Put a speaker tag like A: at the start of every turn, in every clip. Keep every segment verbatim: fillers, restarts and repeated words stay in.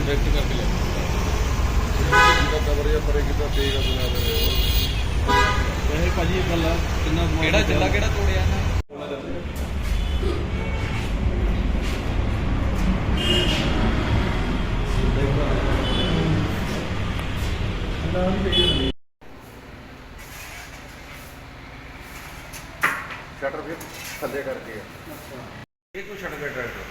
A: direct करके ले cover या परे कितना तेज बना दे वैसे भाजी एक गल कितना केड़ा जिला केड़ा तोड़िया ना शटर फिर थले करके ये कुछ छड़ गया ट्रैक्टर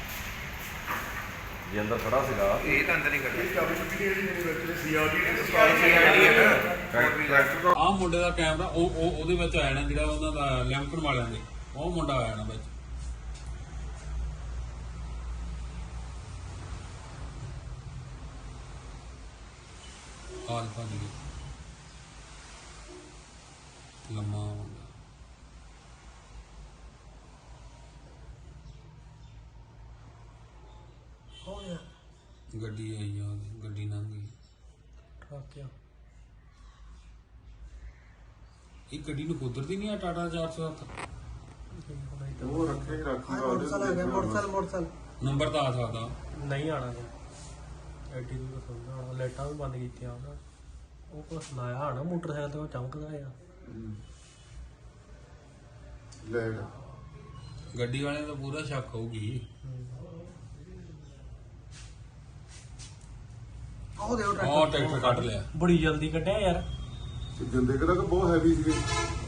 A: जे अंदर खड़ा सीगा ये तो अंदर ही कटिया चाबी छुट्टी नहीं मेरी ਵਿੱਚ ਸੀਆਰਡੀ ਨੇ ਟਰੈਕਟਰ ਆ ਮੁੰਡੇ ਦਾ ਕੈਮਰਾ ਉਹ ਉਹਦੇ ਵਿੱਚ ਆਇਆ ਨਾ ਜਿਹੜਾ ਉਹਨਾਂ ਦਾ ਲੈਂਪਨ ਵਾਲਿਆਂ ਦੇ ਉਹ ਮੁੰਡਾ ਆਇਆ ਨਾ ਵਿੱਚ ਆਲਫਾ ਦੀ ਲੰਮਾ ਗੱਡੀ ਆਈ ਆ ਗੱਡੀ ਲੰਘ ਗਈ ਟਰੱਕ ਆ ਇਹ ਗੱਡੀ ਨੂੰ ਕੁਦਰਤੀ ਨਹੀਂ ਆ ਟਾਟਾ ਚਾਰ ਸੌ ਸੱਤ ਉਹ ਰੱਖੇ ਹੀ ਰੱਖੀ ਮੋਟਰਸਾਈਕਲ ਆ ਗਿਆ ਮੋਟਰਸਾਈਕਲ ਮੋਟਰਸਾਈਕਲ ਨੰਬਰ ਤਾਂ ਆ ਸਕਦਾ ਨਹੀਂ ਆਣਾ ਐਡੀ ਦੂਰ ਤੋਂ ਲਾਈਟਾਂ ਵੀ ਬੰਦ ਕੀਤੀਆਂ ਉਹ ਕੁਛ ਲਾਇਆ ਹਣਾ ਮੋਟਰਸਾਈਕਲ ਤੇ ਉਹ ਚਮਕਦਾ ਆ ਲੈ ਗੱਡੀ ਵਾਲਿਆਂ ਦਾ ਪੂਰਾ ਸ਼ੱਕ ਹੋਊਗੀ ਉਹ ਦੇ ਉਹ ਟਰੈਕਟਰ ਕੱਢ ਲਿਆ ਬੜੀ ਜਲਦੀ ਕੱਢਿਆ ਯਾਰ ਜਿੰਦੇ ਕਿਹੜਾ ਕਿ ਬਹੁਤ ਹੈਵੀ ਸੀਗੇ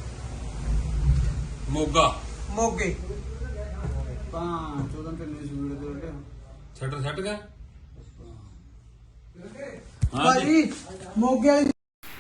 A: ਮੋਗਾ ਮੋਗੇ ਤਾਂ ਚੌਦਾਂ ਕਿੰਨੇ ਸਪੀਡ ਦੇ ਉੱਤੇ ਛੱਡ ਛੱਡ ਗਿਆ ਹਾਂ ਜੀ ਮੋਗੇ ਵਾਲੀ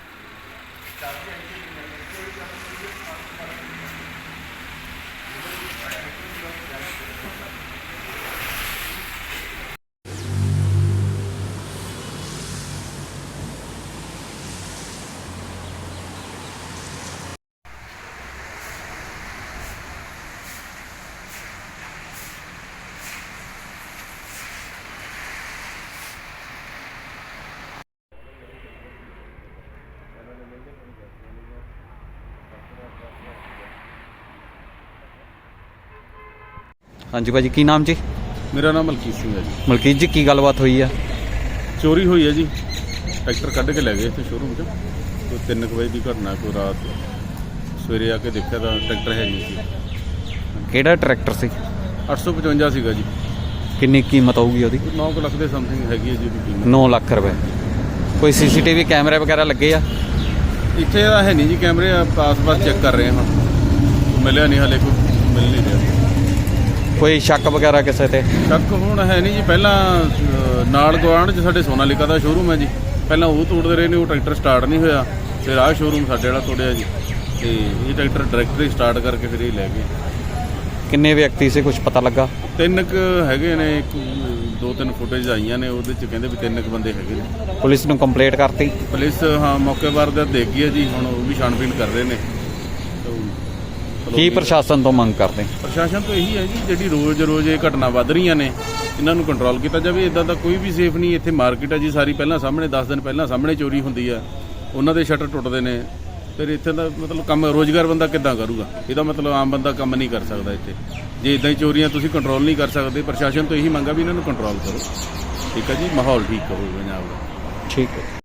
B: ਹਾਂਜੀ ਭਾਜੀ ਕੀ ਨਾਮ ਜੀ
A: ਮੇਰਾ ਨਾਮ ਮਲਕੀਤ ਸਿੰਘ ਹੈ ਜੀ
B: ਮਲਕੀਤ ਜੀ ਕੀ ਗੱਲਬਾਤ ਹੋਈ ਆ
A: ਚੋਰੀ ਹੋਈ ਹੈ ਜੀ ਟਰੈਕਟਰ ਕੱਢ ਕੇ ਲੈ ਗਏ ਇੱਥੇ ਸ਼ੋਰੂਮ 'ਚ ਕੋਈ ਤਿੰਨ ਕੁ ਵਜੇ ਦੀ ਘਟਨਾ ਕੋਈ ਰਾਤ ਸਵੇਰੇ ਆ ਕੇ ਦੇਖਿਆ ਤਾਂ ਟਰੈਕਟਰ ਹੈ ਨਹੀਂ ਸੀ
B: ਕਿਹੜਾ ਟਰੈਕਟਰ ਸੀ
A: ਅੱਠ ਸੌ ਪਚਵੰਜਾ ਸੀਗਾ ਜੀ
B: ਕਿੰਨੀ ਕੀਮਤ ਆਊਗੀ ਉਹਦੀ
A: ਨੌ ਕੁ ਲੱਖ ਦੇ ਸਮਥਿੰਗ ਹੈਗੀ ਹੈ ਜੀ ਉਹਦੀ ਕੀਮਤ
B: ਨੌ ਲੱਖ ਰੁਪਏ ਕੋਈ ਸੀਸੀਟੀਵੀ ਕੈਮਰੇ ਵਗੈਰਾ ਲੱਗੇ ਆ
A: ਇੱਥੇ ਤਾਂ ਹੈ ਨਹੀਂ ਜੀ ਕੈਮਰੇ ਆਸ-ਪਾਸ ਚੈੱਕ ਕਰ ਰਹੇ ਹਾਂ ਮਿਲਿਆ ਨਹੀਂ ਹਾਲੇ ਕੋਈ ਮਿਲ ਨਹੀਂ ਰਿਹਾ
B: ਕੋਈ ਸ਼ੱਕ ਵਗੈਰਾ ਕਿਸੇ ਤੇ
A: ਸ਼ੱਕ ਹੁਣ ਹੈ ਨਹੀਂ ਜੀ ਪਹਿਲਾਂ ਨਾਲ ਗੁਆਂਢ 'ਚ ਸਾਡੇ ਸੋਨਾਲੀਕਾ ਦਾ ਸ਼ੋਰੂਮ ਹੈ ਜੀ ਪਹਿਲਾਂ ਉਹ ਤੋੜਦੇ ਰਹੇ ਨੇ ਉਹ ਟਰੈਕਟਰ ਸਟਾਰਟ ਨਹੀਂ ਹੋਇਆ ਫਿਰ ਆਹ ਸ਼ੋਰੂਮ ਸਾਡੇ ਵਾਲਾ ਤੋੜਿਆ ਜੀ ਤੇ ਇਹ ਟਰੈਕਟਰ ਡਾਇਰੈਕਟਰੀ ਸਟਾਰਟ ਕਰਕੇ ਫਿਰ ਇਹ ਲੈ ਗਏ
B: ਕਿੰਨੇ ਵਿਅਕਤੀ ਸੀ ਕੁਝ ਪਤਾ ਲੱਗਾ
A: ਤਿੰਨ ਕੁ ਹੈਗੇ ਨੇ ਇੱਕ ਦੋ ਤਿੰਨ ਫੁਟੇਜ ਆਈਆਂ ਨੇ ਉਹਦੇ 'ਚ ਕਹਿੰਦੇ ਵੀ ਤਿੰਨ ਕੁ ਬੰਦੇ ਹੈਗੇ ਨੇ
B: ਪੁਲਿਸ ਨੂੰ ਕੰਪਲੇਂਟ ਕਰਤੀ
A: ਪੁਲਿਸ ਹਾਂ ਮੌਕੇ ਵਾਰ ਦਾ ਦੇਖ ਗਈ ਹੈ ਜੀ ਹੁਣ ਉਹ ਵੀ ਛਾਣਬੀਣ ਕਰ ਰਹੇ ਨੇ
B: ਕੀ ਪ੍ਰਸ਼ਾਸਨ ਤੋਂ ਮੰਗ ਕਰਦੇ
A: ਪ੍ਰਸ਼ਾਸਨ ਤੋਂ ਇਹੀ ਹੈ ਜੀ ਜਿਹੜੀ ਰੋਜ਼ ਰੋਜ਼ ਇਹ ਘਟਨਾ ਵੱਧ ਰਹੀਆਂ ਨੇ ਇਹਨਾਂ ਨੂੰ ਕੰਟਰੋਲ ਕੀਤਾ ਜਾਵੇ ਇਦਾਂ ਦਾ ਕੋਈ ਵੀ ਸੇਫ ਨਹੀਂ ਇੱਥੇ ਮਾਰਕੀਟ ਹੈ ਜੀ ਸਾਰੀ ਪਹਿਲਾਂ ਸਾਹਮਣੇ ਦਸ ਦਿਨ ਪਹਿਲਾਂ ਸਾਹਮਣੇ ਚੋਰੀ ਹੁੰਦੀ ਆ ਉਹਨਾਂ ਦੇ ਸ਼ਟਰ ਟੁੱਟਦੇ ਨੇ ਫਿਰ ਇੱਥੇ ਦਾ ਮਤਲਬ ਕੰਮ ਰੋਜ਼ਗਾਰ ਬੰਦਾ ਕਿੱਦਾਂ ਕਰੂਗਾ ਇਹਦਾ ਮਤਲਬ ਆਮ ਬੰਦਾ ਕੰਮ ਨਹੀਂ ਕਰ ਸਕਦਾ ਇੱਥੇ ਜੇ ਇਦਾਂ ਹੀ ਚੋਰੀਆਂ ਤੁਸੀਂ ਕੰਟਰੋਲ ਨਹੀਂ ਕਰ ਸਕਦੇ ਪ੍ਰਸ਼ਾਸਨ ਤੋਂ ਇਹੀ ਮੰਗਾ ਵੀ ਇਹਨਾਂ ਨੂੰ ਕੰਟਰੋਲ ਕਰੋ ਠੀਕ ਹੈ ਜੀ ਮਾਹੌਲ ਠੀਕ ਕਰੋ ਪੰਜਾਬ ਦਾ
B: ਠੀਕ ਹੈ